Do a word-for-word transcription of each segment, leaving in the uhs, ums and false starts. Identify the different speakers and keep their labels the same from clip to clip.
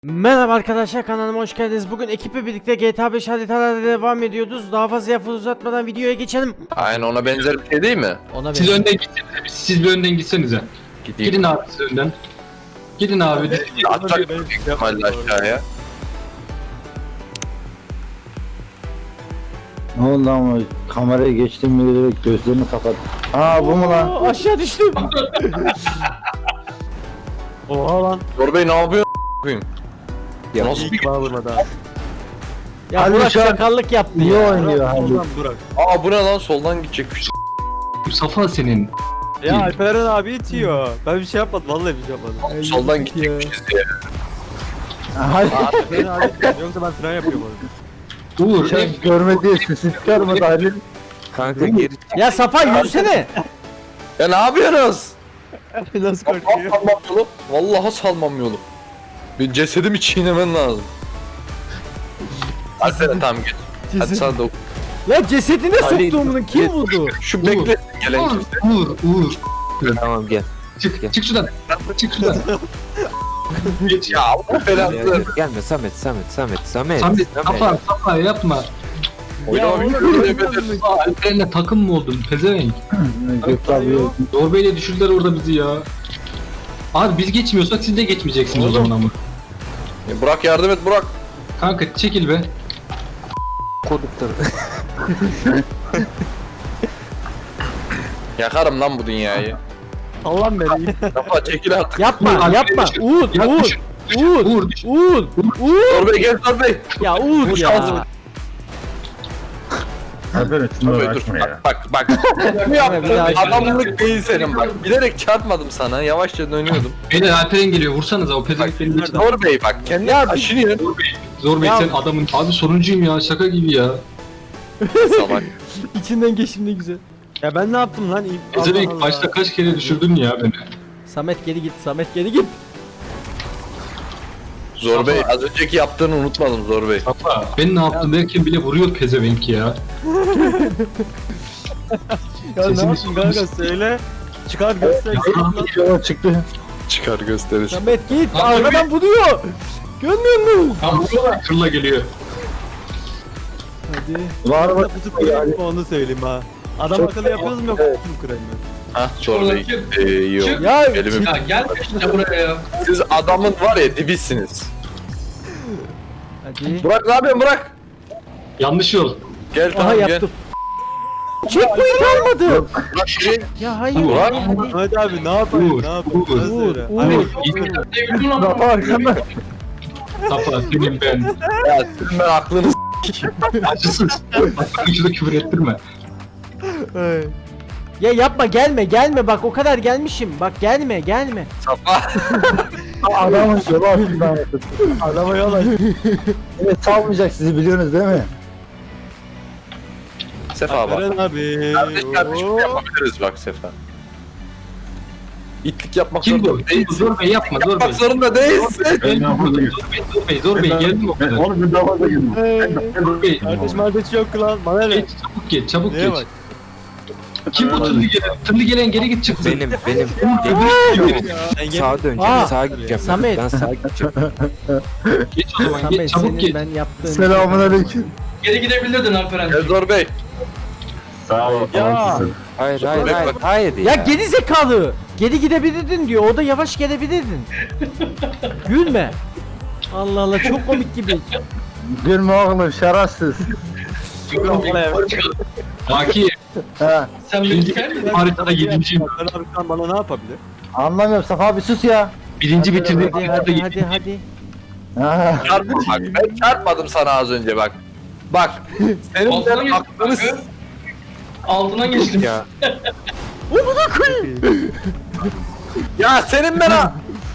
Speaker 1: Merhaba arkadaşlar, kanalıma hoş geldiniz. Bugün ekiple birlikte G T A beş haritalarda devam ediyoruz. Daha fazla lafı uzatmadan videoya geçelim.
Speaker 2: Aynen ona benzer bir şey değil mi?
Speaker 1: Ona
Speaker 3: Siz
Speaker 1: benziyor.
Speaker 3: önden gitsenize. Siz bir önden gitsenize.
Speaker 2: Gideyim.
Speaker 3: Gidin abi siz önden. Gidin abi.
Speaker 2: Atacak büyük ihtimalle aşağıya.
Speaker 4: Ne oldu ama kameraya geçtim mi direkt gözlerini kapat. Aa bu mu lan?
Speaker 1: Oo, aşağı düştüm.
Speaker 5: Oha lan.
Speaker 2: Zor Bey ne yapıyorsun? Koyayım.
Speaker 5: Ya
Speaker 2: Nasıl
Speaker 5: ilk
Speaker 2: bir-
Speaker 5: bana vurmadı ha.
Speaker 1: Ya
Speaker 4: Hadi
Speaker 1: Burak
Speaker 4: şu an-
Speaker 1: sakallık yaptı
Speaker 4: Niye
Speaker 1: ya.
Speaker 4: oynuyor hadi?
Speaker 5: Oradan Burak.
Speaker 2: Aa bu ne lan, soldan gidecekmiş.
Speaker 3: Safa senin.
Speaker 5: Ya Alperen abi itiyor. Ben bir şey yapmadım, vallahi bir şey yapmadım.
Speaker 2: Soldan gidecekmişiz diye.
Speaker 4: Hayır.
Speaker 5: Alperen abi itiyor. Yoksa ben fren yapıyorum orada.
Speaker 3: Uğur.
Speaker 4: Sen
Speaker 3: ne?
Speaker 4: görmediği sesi çıkarmadı Halil.
Speaker 6: Kanka geri
Speaker 1: Ya Safa yürüsene.
Speaker 2: Ya ne yapıyorsunuz?
Speaker 5: Nasıl
Speaker 2: Vallahi salmam yolu. Vallahi salmam yolu. Bir cesedimi çiğnemen lazım. Hadi sen tamam git. Hadi sana da
Speaker 1: Ya cesedine
Speaker 6: Ali-
Speaker 1: soktu bunu, kim vurdu?
Speaker 2: şu bekle gelen
Speaker 3: Uğur.
Speaker 2: kimse.
Speaker 3: Uğur. Uğur.
Speaker 6: tamam gel.
Speaker 3: Çık.
Speaker 6: Gel.
Speaker 3: Çık şuradan. Çık şuradan. Geç
Speaker 2: Ya Allah belanı.
Speaker 6: Gelme Samet Samet Samet Samet.
Speaker 3: Samet. Safa. Safa yapma.
Speaker 2: Oynama
Speaker 1: oğlum,
Speaker 2: bir şey
Speaker 3: Aa, Alperen'le takım mı oldun? Pezevenk.
Speaker 4: Gökte abi.
Speaker 3: Zor Bey'le düşürdüler orada bizi ya. Abi biz geçmiyorsak siz de geçmeyeceksiniz o zaman ama.
Speaker 2: Burak yardım et Burak.
Speaker 3: Kanka çekil be.
Speaker 6: Kodukları.
Speaker 2: Yakarım lan bu dünyayı.
Speaker 5: Allah'ım beni.
Speaker 2: Kafa çekil artık.
Speaker 1: Yapma,
Speaker 3: Uğur,
Speaker 1: yapma.
Speaker 3: düşür.
Speaker 1: Uğur,
Speaker 3: Ya
Speaker 1: Uğur,
Speaker 3: düşür.
Speaker 1: Uğur,
Speaker 3: Uğur düş.
Speaker 1: Uğur, Uğur.
Speaker 2: Zor Bey gel Zor Bey.
Speaker 1: Ya Uğur
Speaker 2: Bu
Speaker 1: ya.
Speaker 2: şans-
Speaker 4: Alperen şunu
Speaker 2: Dur dur.
Speaker 4: uğraşma ya.
Speaker 2: Bak bak. Bu
Speaker 1: Bir daha
Speaker 2: yaptığın adamlık değil senin bak. Bilerek çarpmadım sana. Yavaşça dönüyordum.
Speaker 3: Beyler Alperen geliyor. Vursanıza o pezevenk beni geçti.
Speaker 2: Zor Bey bak. Kendi
Speaker 1: Ya-
Speaker 2: aşınıyor.
Speaker 3: Zor Bey
Speaker 1: Ya-
Speaker 3: sen adamın. Abi sonuncuyum ya şaka gibi ya.
Speaker 2: Salak.
Speaker 1: İçinden geçim ne güzel.
Speaker 5: Ya ben ne yaptım lan? İyi- Allah
Speaker 3: Pezevenk
Speaker 5: Allah.
Speaker 3: başta kaç kere düşürdün ya beni.
Speaker 1: Samet geri git, Samet geri git.
Speaker 2: Zor Bey az önceki yaptığını unutmadım Zor Bey.
Speaker 3: Safa. Ben ne yaptım derken bile vuruyor pezevenk ya.
Speaker 5: Ya ne
Speaker 3: Sesini
Speaker 5: yaptın kanka söyle. Çıkar göster.
Speaker 4: Yola çıktı.
Speaker 2: Çıkar gösterir.
Speaker 1: Samet git,
Speaker 3: Lan
Speaker 1: arkadan vuruyor. Görmüyor musun?
Speaker 3: Ha vuruyorlar. Fırla geliyor.
Speaker 1: Hadi.
Speaker 4: Var mı?
Speaker 5: Bu tutmayayım onu söyleyeyim ha. Adam
Speaker 4: Çok-
Speaker 5: akıllı yapıyoruz mu yok mu kırayım
Speaker 2: Ha Zor Bey. Ee, iyi oldu.
Speaker 1: Ya
Speaker 2: Elimi...
Speaker 3: Ya gel işte buraya ya.
Speaker 2: Siz adamın var ya dibisiniz.
Speaker 1: hadi.
Speaker 2: Burak ne yapıyorsun Burak?
Speaker 3: Yanlış yol.
Speaker 2: Gel
Speaker 1: Aha
Speaker 2: tamam gel.
Speaker 1: yaptım. Checkpoint almadı.
Speaker 2: Burak şuraya.
Speaker 1: Ya hayır.
Speaker 2: Burak.
Speaker 5: Hadi abi ne yapayım
Speaker 3: Uğur,
Speaker 5: ne yapayım?
Speaker 3: Uğur,
Speaker 5: Sen söyle.
Speaker 1: Uğur,
Speaker 5: Hadi.
Speaker 1: Uğur.
Speaker 4: Rafa arkanda.
Speaker 3: Safa senin ben.
Speaker 2: Ya sizin ben aklınız.
Speaker 3: Acısız. Bak şurada küfür ettirme.
Speaker 5: Ay.
Speaker 1: Ya yapma, gelme gelme, bak o kadar gelmişim. Bak gelme gelme.
Speaker 2: Safa.
Speaker 4: Adamın yolu altından yaptı.
Speaker 5: Adama yol aç.
Speaker 4: Evet salmayacak sizi biliyorsunuz değil mi?
Speaker 2: Sefa bak.
Speaker 5: Alperen abi.
Speaker 2: Kardeş kardeşim
Speaker 5: Oo.
Speaker 2: yapabiliriz bak Sefa. İtlik yapmak
Speaker 3: Kim bu?
Speaker 2: zorunda
Speaker 3: Kim bu? Zor Bey yapma Zor Bey.
Speaker 2: Yapmak zorunda değilsin.
Speaker 3: Geldim burada. Zor Bey, Zor Bey, Zor Bey geldim o kadar.
Speaker 4: Oğlum bir daha fazla girdim.
Speaker 3: Zor Bey.
Speaker 5: Kardeş kardeş yok lan. Bana ne?
Speaker 3: Geç çabuk geç çabuk
Speaker 5: Neye
Speaker 3: geç.
Speaker 5: bak?
Speaker 3: Kim bu tırlı gelen? Tırlı gelen geri git çıksın.
Speaker 6: Benim benim.
Speaker 5: Ben gel-
Speaker 6: Sağa döneceğim.
Speaker 1: Aa,
Speaker 6: Sağa gideceğim.
Speaker 1: Samet.
Speaker 6: Ben sağa gideceğim.
Speaker 3: Geç o zaman geç
Speaker 1: Samet
Speaker 3: çabuk
Speaker 1: senin
Speaker 3: geç.
Speaker 1: ben yaptığım.
Speaker 4: Selamun aleyküm.
Speaker 3: Geri gidebilirdin Alperen.
Speaker 2: Gel Zor Bey.
Speaker 4: Sağ ol.
Speaker 5: Ya.
Speaker 6: Hayır hayır hayır. Hayır ya.
Speaker 1: Ya geri zekalı. Geri gidebilirdin diyor. O da yavaş gelebilirdin. Gülme. Allah Allah, çok komik gibi.
Speaker 4: Gülme oğlum şerefsiz.
Speaker 3: Baki
Speaker 4: Ha.
Speaker 3: sen birinci haritada yedinciyim.
Speaker 5: Alperen abi şu an bana ne yapabilir?
Speaker 4: Anlamıyorum Safa abi sus ya.
Speaker 3: Birinci bitirdim.
Speaker 1: Hadi hadi hadi hadi.
Speaker 4: Ha.
Speaker 2: Çarpma bak. Ben çarpmadım sana az önce bak. Bak. Senin ben aklını s-
Speaker 3: Altına geçtim.
Speaker 6: Ya.
Speaker 2: Ya senin ben ha.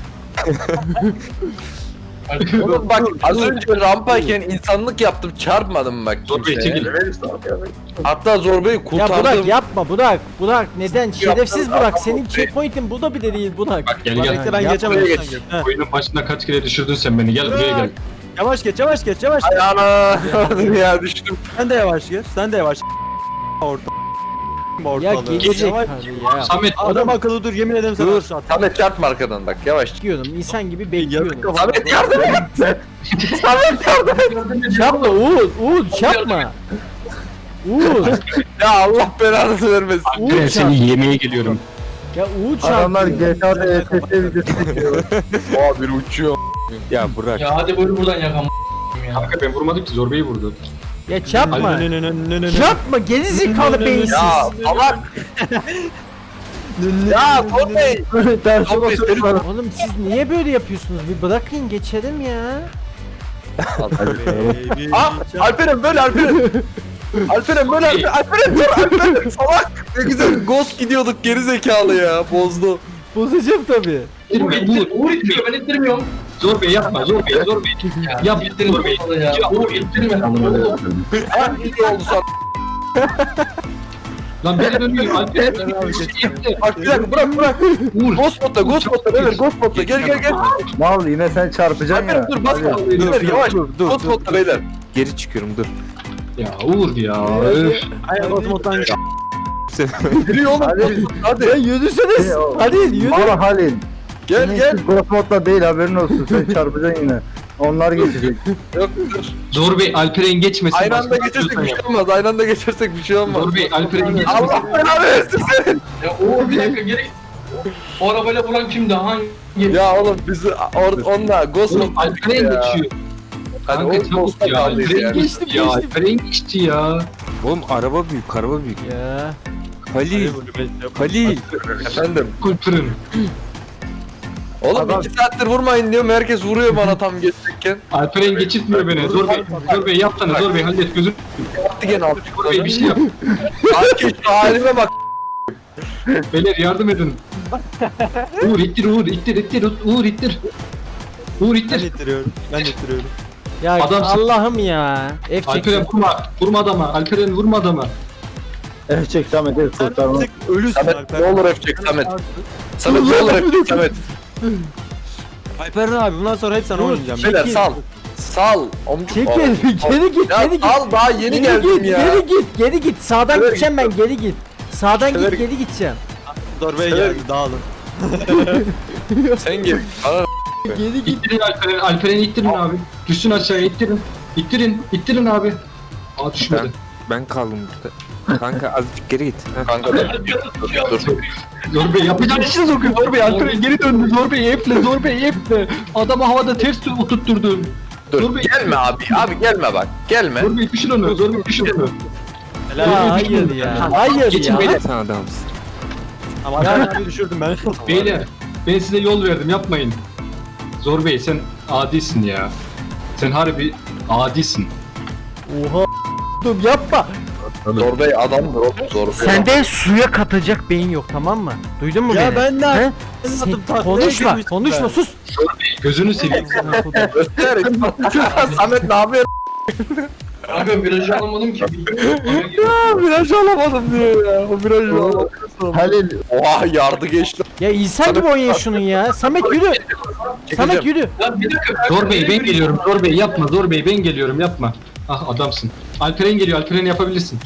Speaker 2: Oğlum bak az önce rampayken insanlık yaptım çarpmadım bak.
Speaker 3: Zor Bey
Speaker 2: kimseye.
Speaker 3: çekil.
Speaker 2: Hatta Zor Bey'i
Speaker 1: Ya
Speaker 2: kurtardım.
Speaker 1: Burak yapma Burak. Burak neden? Şerefsiz
Speaker 2: Yaptın,
Speaker 1: Burak.
Speaker 2: tamam,
Speaker 1: Senin
Speaker 2: okey.
Speaker 1: checkpoint'in burada bile değil Burak.
Speaker 3: Bak gel
Speaker 5: Bak
Speaker 3: gel.
Speaker 5: bekle ben
Speaker 1: Yapma,
Speaker 5: geçemem.
Speaker 2: buraya
Speaker 5: sen
Speaker 2: geç.
Speaker 5: geç. He.
Speaker 3: Oyunun başında kaç kere düşürdün sen beni. Gel buraya gel.
Speaker 5: Yavaş geç yavaş geç yavaş.
Speaker 2: Ay ana. Ya düştüm.
Speaker 5: Sen de yavaş geç. Sen de yavaş. Orta.
Speaker 1: Ya
Speaker 5: ortalığı.
Speaker 1: gerizekalı ya.
Speaker 3: Samet
Speaker 5: Adam akıllı dur yemin ederim sana
Speaker 2: Dur.
Speaker 5: aşağı at.
Speaker 2: Samet çarpma arkadan bak yavaş.
Speaker 1: Bekliyorum. İnsan gibi bekliyorum.
Speaker 2: Samet yardım et. Samet yardım et.
Speaker 1: Yapma Uğur. Uğur yapma. Uğur.
Speaker 2: Ya Allah belanı vermesin.
Speaker 3: ben
Speaker 1: Uğur çarp.
Speaker 3: seni yemeye geliyorum.
Speaker 1: Ya Uğur
Speaker 4: Adamlar
Speaker 1: çarpıyor.
Speaker 4: G T A'da E T S videosu çekiyor.
Speaker 2: Aa biri uçuyor.
Speaker 6: Ya Burak.
Speaker 7: Ya hadi buyur buradan yakam ya.
Speaker 3: Kanka ben vurmadım ki Zor Bey'i vurdu.
Speaker 1: Ya çarpma.
Speaker 5: Nö, nö, nö, nö, nö, nö.
Speaker 1: Yapma gerizekalı beyinsiz.
Speaker 2: Ya salak. Ya Torney.
Speaker 4: Ters
Speaker 2: Çok
Speaker 4: basıyorlar.
Speaker 1: Oğlum siz niye böyle yapıyorsunuz? Bir bırakın geçelim ya.
Speaker 5: Baby.
Speaker 2: Aa Alperen böyle Alperen. Alperen böyle Alperen. Alperen dur Alperen. Salak. Ne güzel ghost gidiyorduk geri zekalı ya. Bozdu.
Speaker 1: Bozacağım tabii.
Speaker 7: Uğur
Speaker 3: İttirme,
Speaker 7: ittir,
Speaker 3: Uğur.
Speaker 7: Uğur ittiriyor, ben ittirmiyorum.
Speaker 3: Zor Bey yapma, Zor Bey, Zor Bey.
Speaker 7: Ya,
Speaker 3: Yap,
Speaker 7: ittirme
Speaker 3: Zor Bey.
Speaker 7: ya.
Speaker 3: Ya,
Speaker 7: Uğur ittirme. Oğlum,
Speaker 2: Ha iyi oldu sana.
Speaker 3: Lan beni dönüyor. Alper.
Speaker 2: Bak bir dakika bırak bırak.
Speaker 3: Uğur.
Speaker 2: Ghost modda Ghost modda beyler Ghost modda gel gel gel.
Speaker 4: Mal yine sen çarpacaksın ya.
Speaker 2: Alperen dur basma.
Speaker 4: Hadi.
Speaker 2: Beyler yavaş.
Speaker 6: dur, dur,
Speaker 2: Ghost
Speaker 6: dur,
Speaker 2: modda
Speaker 6: dur.
Speaker 2: beyler.
Speaker 6: Geri çıkıyorum dur.
Speaker 3: Ya Uğur ya. Öf.
Speaker 5: Ay otomotan
Speaker 2: Yürü oğlum.
Speaker 4: Hadi.
Speaker 2: Hadi.
Speaker 1: Ya yürüseniz.
Speaker 4: Hey, o-
Speaker 1: Hadi yürü.
Speaker 4: Mal Halil.
Speaker 2: Gel gel.
Speaker 4: Ghost modda değil haberin olsun. Sen çarpacaksın yine. Onlar geçecek.
Speaker 2: Yok dur.
Speaker 3: Zor Bey Alperen geçmesin.
Speaker 2: Aynı anda
Speaker 3: Başka
Speaker 2: geçersek
Speaker 3: yapıyorsan
Speaker 2: bir şey
Speaker 3: yap.
Speaker 2: olmaz. Aynı anda geçersek bir şey olmaz.
Speaker 3: Zor Bey Alperen geçmesin.
Speaker 2: Allah belanı versin senin.
Speaker 7: Ya Uğur bir dakika geri. O arabayla vuran kimdi? Hangi?
Speaker 2: Ya oğlum bizi or onunla Ghost
Speaker 3: Oğlum
Speaker 2: modda
Speaker 3: Alperen
Speaker 2: ya.
Speaker 3: geçiyor.
Speaker 2: Hadi
Speaker 3: Kanka
Speaker 2: o
Speaker 3: çabuk
Speaker 2: Ghost'a
Speaker 3: ya.
Speaker 2: kaldıyız
Speaker 3: Alperen
Speaker 2: yani.
Speaker 3: geçti
Speaker 1: Geçtim,
Speaker 3: ya.
Speaker 1: geçtim.
Speaker 3: Alperen geçti ya.
Speaker 6: Oğlum araba büyük, araba büyük.
Speaker 1: Ya.
Speaker 6: Halil, Halil.
Speaker 2: Efendim.
Speaker 3: Alperen.
Speaker 2: Oğlum
Speaker 4: Adam-
Speaker 2: iki saattir vurmayın diyorum. Herkes vuruyor bana tam geçecekken.
Speaker 3: Alperen geçirtmiyor beni. Zor Bey. Zor Bey yapsana. Zor Bey hallet gözün.
Speaker 2: Attı gene aldı.
Speaker 3: Zor Bey bir şey yap.
Speaker 2: Sanki şu halime bak.
Speaker 3: Beyler yardım edin. Uğur ittir Uğur ittir ittir Uğur ittir. Uğur
Speaker 5: Ben
Speaker 3: ittir.
Speaker 5: ittiriyorum. Ben ittiriyorum.
Speaker 1: Ya
Speaker 3: Adamsın.
Speaker 1: Allah'ım ya. F
Speaker 3: Alperen
Speaker 1: çeksin.
Speaker 3: vurma. Vurma adama. Alperen vurma adama.
Speaker 4: Eh çek Samet el kurtarma.
Speaker 5: Tık ölüsün
Speaker 2: Samet
Speaker 5: Alper.
Speaker 2: ne olur öpecek Samet. Samet ne olur öpecek Samet.
Speaker 5: Alperen abi bundan sonra hep sana oynayacağım.
Speaker 2: Beyler
Speaker 1: Çekil.
Speaker 2: sal. Sal. Omcuk.
Speaker 1: Çekil.
Speaker 2: Oğlum,
Speaker 1: Geri git.
Speaker 2: Ya
Speaker 1: Geri git.
Speaker 2: sal daha yeni
Speaker 1: Geri
Speaker 2: geldim
Speaker 1: git,
Speaker 2: ya.
Speaker 1: Geri git. Geri git. Sağdan
Speaker 2: Sever
Speaker 1: gideceğim ben. Geri git. Sağdan
Speaker 2: Sever
Speaker 1: git. Geri gideceğim.
Speaker 5: Zorbeye
Speaker 2: Sever-
Speaker 5: geldi dağılın.
Speaker 2: Sen gel. Bana
Speaker 1: Geri git.
Speaker 3: İttirin Alperen. Alperen'i ittirin abi. Düşsün aşağıya ittirin. İttirin. İttirin abi. Aa düşmedi.
Speaker 6: Ben kaldım burada. Kanka azıcık geri git. Heh.
Speaker 2: kanka dur. Dur.
Speaker 3: Zor Bey yapacağın işi sokuyor. Zor Bey Alperen geri döndü. Zor Bey eple. Zor Bey eple. Adamı havada ters oturtturdu. Dur
Speaker 2: Dur.
Speaker 3: be.
Speaker 2: Gelme abi. Abi gelme bak. Gelme.
Speaker 3: Zor Bey düşür onu. Zor Bey düşür onu.
Speaker 1: Ya hayır ya. Hayır
Speaker 3: Geçin
Speaker 1: ya.
Speaker 3: beyler.
Speaker 6: Sen adamsın.
Speaker 5: Ama Alperen abi düşürdüm ben.
Speaker 3: Beyler ben size yol verdim yapmayın. Zor Bey sen adisin ya. Sen harbi adisin.
Speaker 1: Oha. Dur yapma.
Speaker 2: Zor Bey adamdır oğlum. Zor Bey.
Speaker 1: Sende suya katacak beyin yok tamam mı? Duydun mu
Speaker 5: Ya
Speaker 1: beni?
Speaker 5: ben de-
Speaker 1: He?
Speaker 5: Ben
Speaker 1: Sen-
Speaker 5: attım taklaya
Speaker 1: konuşma,
Speaker 5: girmiştim
Speaker 1: konuşma
Speaker 5: ben.
Speaker 1: sus.
Speaker 3: Gözünü seveyim.
Speaker 2: Göster. Samet ne yapıyor?
Speaker 7: Kanka virajı alamadım ki.
Speaker 2: Ya viraj alamadım diyor ya. O virajı alamadım.
Speaker 4: Halil
Speaker 2: Oha yardı geçti.
Speaker 1: Ya insan gibi oynayın şunun ya. Samet yürü. Samet yürü.
Speaker 7: Lan bir dakika.
Speaker 3: Zor Bey ben geliyorum. Zor Bey yapma. Zor Bey ben geliyorum yapma. Ah adamsın. Alperen geliyor. Alperen yapabilirsin.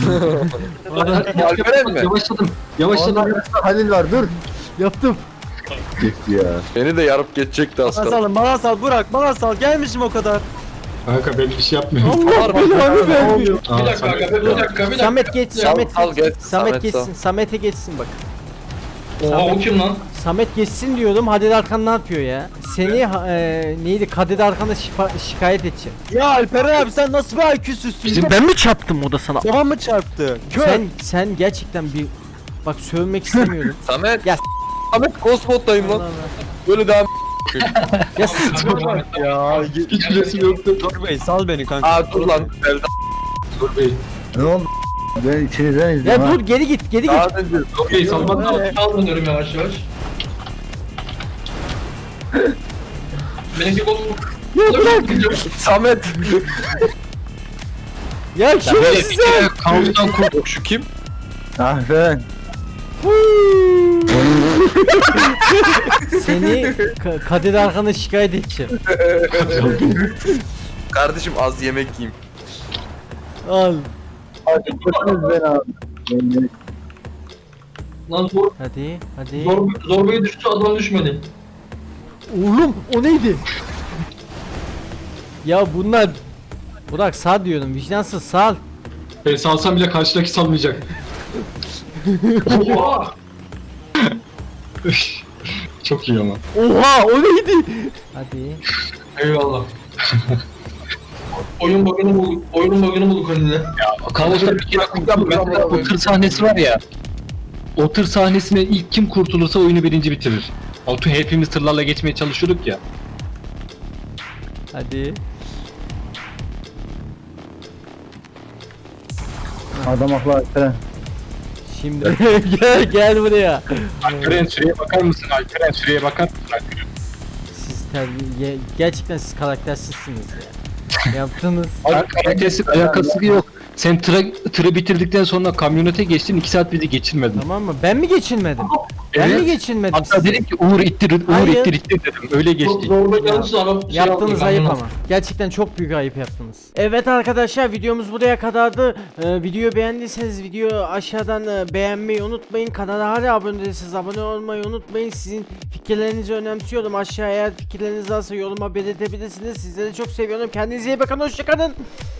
Speaker 2: Alperen mi?
Speaker 3: Yavaşladım. Yavaşladım.
Speaker 4: Ondan Halil var dur.
Speaker 1: Yaptım.
Speaker 4: Gitti ya.
Speaker 2: Beni de yarıp geçecekti
Speaker 5: Bana
Speaker 2: aslında.
Speaker 5: sal, bana sal, Burak, bana sal. Gelmişim o kadar.
Speaker 3: Kanka ben bir şey yapmıyorum.
Speaker 1: Allah belanı vermiyor.
Speaker 3: Aa,
Speaker 7: Bir dakika
Speaker 3: Samet-
Speaker 7: kanka, bir dakika, bir dakika.
Speaker 1: Samet geç,
Speaker 7: Ya,
Speaker 1: Samet
Speaker 2: sal,
Speaker 1: geç.
Speaker 2: geç.
Speaker 1: Samet
Speaker 2: Samet
Speaker 1: geçsin,
Speaker 2: sal.
Speaker 1: Samet'e geçsin bak.
Speaker 7: Oha o kim lan?
Speaker 1: Samet geçsin diyorum. Hadi Arkan ne yapıyor ya? Seni e, neydi? Kadir Arkan'a şifa- şikayet edeceğim.
Speaker 5: Ya Alperen abi sen nasıl bir I Q'süzsün?
Speaker 1: Ben mi çarptım o da sana?
Speaker 5: Zaman mı çarptı? Kör.
Speaker 1: Sen sen gerçekten bir bak sövmek istemiyorum.
Speaker 2: Samet.
Speaker 1: Ya-
Speaker 2: Samet Cosmod'dayım lan.
Speaker 1: Allah Allah.
Speaker 2: Böyle devam.
Speaker 1: Ya s-
Speaker 5: ya.
Speaker 3: Hiç resim yoktu.
Speaker 5: Zor Bey sal beni kanka.
Speaker 2: Aa dur lan. Belda.
Speaker 3: Zor Bey.
Speaker 4: Ne oldu? Ben içinizden izliyorum
Speaker 1: ya
Speaker 4: ha.
Speaker 1: dur geri git, geri git.
Speaker 2: Daha önce.
Speaker 3: Zor Bey salman lazım.
Speaker 7: Al dönüyorum yavaş yavaş. Benimki kol.
Speaker 1: Ya bırak.
Speaker 2: Samet.
Speaker 1: Ya şerefsiz sen.
Speaker 3: Kaostan kurt.
Speaker 2: Yok şu kim?
Speaker 4: Ah ben.
Speaker 1: Seni Ka- Kadir Arkan'a şikayet edeceğim.
Speaker 2: Kardeşim az yemek yiyeyim.
Speaker 1: Al.
Speaker 4: Hadi götürünüz beni abi. Ben-
Speaker 7: Lan zor,
Speaker 1: Hadi hadi.
Speaker 7: zor, zorbaya düştü adam düşmedi.
Speaker 1: Oğlum o neydi? Ya bunlar Burak sağ diyorum, vicdansız sal.
Speaker 3: Ben salsam bile karşıdaki salmayacak.
Speaker 7: Oha!
Speaker 3: Çok iyi ama.
Speaker 1: Oha o neydi? Hadi.
Speaker 7: Eyvallah. Oyun bug'ını bulduk. Oyunun bug'ını bulduk önüne.
Speaker 3: Kavuşta bir kere mesela o tır sahnesi var ya. O tır sahnesine ilk kim kurtulursa oyunu birinci bitirir. O tır hepimiz tırlarla geçmeye çalışıyorduk ya.
Speaker 1: Hadi.
Speaker 4: Adam aklı Alperen.
Speaker 1: Şimdi gel gel buraya.
Speaker 3: Alperen süreye bakar mısın? Alperen süreye bakar mısın? Alperen?
Speaker 1: Siz terbiye gerçekten siz karaktersizsiniz ya. Yaptınız.
Speaker 3: Karakteristik alakası yok. Sen tıra, tırı bitirdikten sonra kamyonete geçtin, iki saat bizi geçirmedin.
Speaker 1: Tamam mı? Ben mi geçilmedim? Ben
Speaker 3: Evet.
Speaker 1: mi geçilmedim
Speaker 3: Hatta
Speaker 1: sizi?
Speaker 3: dedim ki Uğur ittir, Uğur
Speaker 1: Hayır.
Speaker 3: ittir ittir dedim. Öyle
Speaker 7: Çok
Speaker 3: geçtik.
Speaker 7: zorba gelirse araba şey
Speaker 1: Yaptığınız
Speaker 7: yapmayın,
Speaker 1: ayıp
Speaker 7: ben
Speaker 1: ama. Gerçekten çok büyük ayıp yaptınız. Evet arkadaşlar, videomuz buraya kadardı. Ee, videoyu beğendiyseniz videoyu aşağıdan e, beğenmeyi unutmayın. Kanala hala abone değilseniz abone olmayı unutmayın. Sizin fikirlerinizi önemsiyorum. Aşağıya eğer fikirleriniz varsa yoruma belirtebilirsiniz. Sizleri çok seviyorum. Kendinize iyi bakın. Hoşçakalın.